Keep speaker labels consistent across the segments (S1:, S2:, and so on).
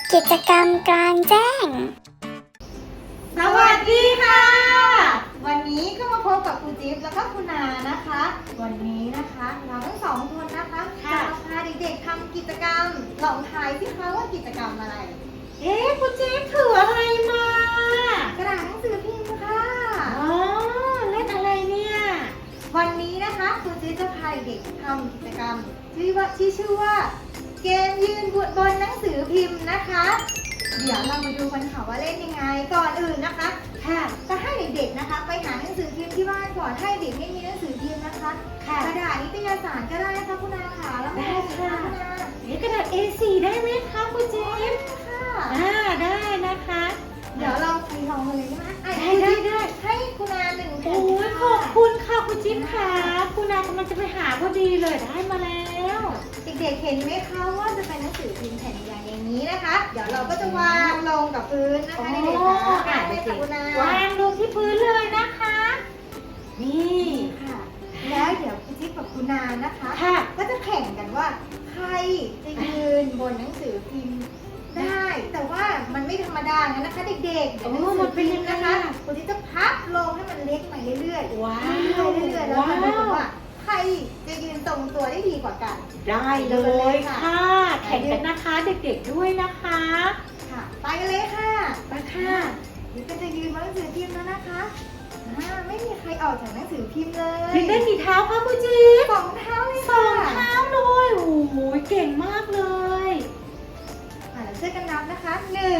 S1: กิจกรรมกลางแจ้ง
S2: สวัสดีค่ะ วันนี้ก็มาพบกับครูจิ๊บแล้วก็คุณนานะคะ วันนี้นะคะเราทั้งสองคนนะคะจะมาพาเด็กๆทำกิจกรรมลองทายสิคะว่ากิจกรรมอะไร
S3: ครูจิ๊บถืออะไรมาก
S2: ระดาษหนังสือพิมพ์ค่ะ
S3: เล่นอะไรเนี่ย
S2: วันนี้นะคะครูจิ๊บจะพาเด็กๆทำกิจกรรมที่ชื่อว่าเกมยืนบนหนังสือพิมพ์นะคะเดี๋ยวเรามาดูกันค่ะว่าเล่นยังไงก่อนอื่นนะคะจะให้เด็กๆนะคะไปหาหนังสือพิมพ์ที่บ้านก่อนให้เด็กไม่มีหนังสือพิมพ์นะคะกระดาษนิตยสารก็ได้ค่ะคุณนาค่ะแล้ว
S3: ได้ค่ะ
S2: คุณน
S3: ากระดาษ A4 ได้ไหมคะครูจิ๊บ
S2: ค่ะ
S3: ได้นะคะ
S2: เดี๋ยวเราไปลองกันเลยใช่ไหม
S3: ได้
S2: ให้คุณนาหนึ่งแผ่น
S3: โอ้ยขอบคุณค่ะครูจิ๊บค่ะคุณนากำลังจะไปหาพอดีเลยได้มาแล้ว
S2: เด็กๆเห็นไหมคะว่าจะเป็นหนังสือพิมพ์แผ่นใหญ่อย่างนี้นะคะเดี๋ยวเราก็จะวางลงกับพื้นนะคะเด็กๆค่ะคุณนาว
S3: างลงที่พื้นเลยนะคะนี่
S2: ค่ะแล้วเดี๋ยวคุณจิ๊บกับคุณนานะคะก็จะแข่งกันว่าใครจะยืนบนหนังสือพิมพ์ได้แต่ว่ามันไม่ธรรมดานะคะเด็กๆ
S3: มันเป็นยังไง
S2: นะคะคุณจิ๊บจะพับลงให้มันเล็กไปเรื่อยๆ
S3: ว้าว
S2: เรื่อยๆแล้วมาดูว่าใครจะยืนตรงตัวได้ดีกว่ากัน
S3: ได้เลยค่ะแข่งกันนะคะเด็กๆด้วยนะคะ
S2: ค่ะไปกันเลยค่ะ
S3: ไปค่ะ
S2: นี่ก็จะยืนบนหนังสือพิมพ์แล้วนะคะไม่มีใครออกจากหนังสือพิมพ์เลย
S3: ยืนได้กี่เท้าคะคุณจิ๊บ
S2: 2 เท้าเลย
S3: ค่ะ2 เท้าเลยโอ้โหเก่งมากเลย
S2: เราช่วยกันนับนะคะ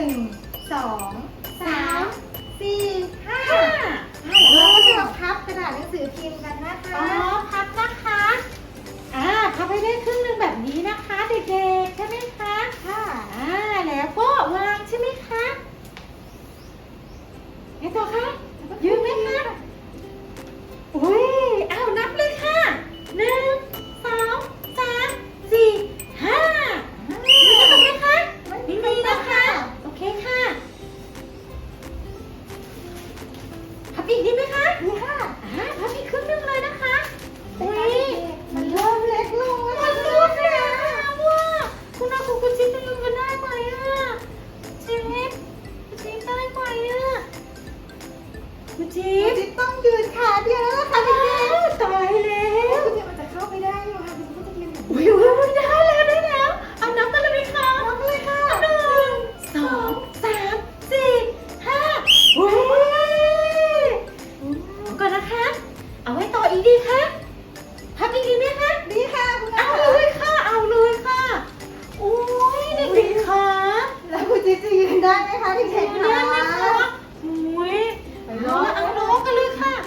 S2: 1 2 3 4 5เราก็จะมาพับกระดาษหนังสือพิมพ์กันนะคะ
S3: พับนะคะพับให้ได้ครึ่งหนึ่งแบบนี้นะคะเด็กๆใช่ไหมคะ
S2: ค่ะ
S3: แล้วก็วางใช่ไหมคะไงต่อคะยืนไหมคะอุ้ยนับเลยค่ะ1 2 3 4 5ยืนตรงไหมคะไม่นะคะโอเคค่ะพับอีกนิดไหมคะ
S2: นี่ค่ะ
S3: พับอีกครึ่งนึงเลยนะคะอุ้ย
S2: มันเริ่มเล็กลง
S3: มันเริ่มแล้วว่าคุณอาคุณจิ๊บจะยืนกันได้ไหมจิ๊บได้ไหมคุณจิ๊บ
S2: ต้องยืนขาเดียวแล้วค่ะเด็ก
S3: ๆตายแล้ว
S2: คุณจิ๊บมันจะเข้าไปได้อยู่ค่ะคุณจิ๊บก็จะยืน
S3: อุ้ยได้แล้วเอานับกันเลยไหมคะ
S2: นับเลยค่ะ
S3: 1 2 3 4 5อุ้ยก่อนนะคะเอาไว้ต่ออีกดีคะพับอีกดีไหมคะ
S2: ดีค่ะคุณ
S3: เอาเลยค่ะโอ้ยเด็กๆค่ะ
S2: แล้วคุณจิ๊บจะยืนได้ไหมคะเด็กๆ
S3: ได้ไหมคะอุ้ยเอาน้องกันเลยค่ะ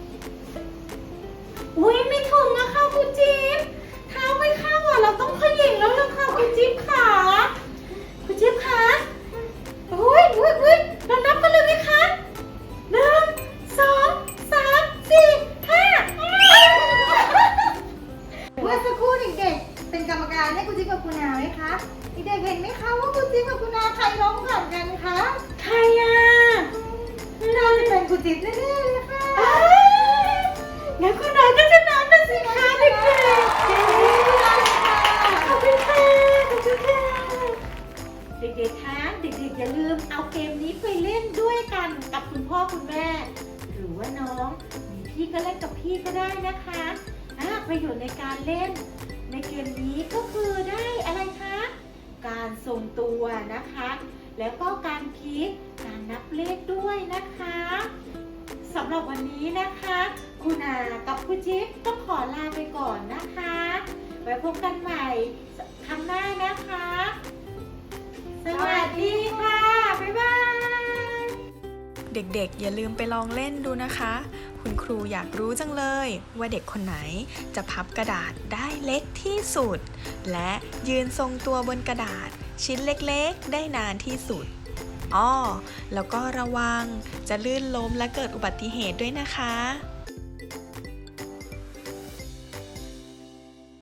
S3: อุ้ยไม่ถึงนะคะคุณจิ๊บเท้าไม่เข้าเราต้องขยิงแล้วล่ะค่ะคุณจิ๊บค่ะคุณจิ๊บค่ะอุ้ยเรานับกันเลยไหมคะ1 2 3 4 5
S2: เมื่อสักครู่เด็กๆเป็นกรรมการให้คุณจิ๊บกับคุณนาไหมคะเด็กๆเห็นไหมคะว่าคุณจิ๊บกับคุณนาใครร้องก่อนกันคะ
S3: ใคร
S2: น่าจะเป็นคุณจิ๊บแน่ๆเลยค่ะ
S3: แล้วคุณนาก็จะนับนะสิคะเด็กๆขอบคุณค่ะเด็กๆคะเด็กๆอย่าลืมเอาเกมนี้ไปเล่นด้วยกันกับคุณพ่อคุณแม่หรือว่าน้องมีพี่ก็เล่นกับพี่ก็ได้นะคะประโยชน์ในการเล่นในเกมนี้ก็คือได้อะไรคะการทรงตัวนะคะแล้วก็การพลิกการนับเลขด้วยนะคะสำหรับวันนี้นะคะคุณอากับคุณจิ๊บต้องขอลาไปก่อนนะคะไว้พบกันใหม่ครั้งหน้านะคะสวัสดีค่ะบ๊ายบาย
S4: เด็กๆอย่าลืมไปลองเล่นดูนะคะคุณครูอยากรู้จังเลยว่าเด็กคนไหนจะพับกระดาษได้เล็กที่สุดและยืนทรงตัวบนกระดาษชิ้นเล็กๆได้นานที่สุดแล้วก็ระวังจะลื่นล้มและเกิดอุบัติเหตุด้วยนะคะ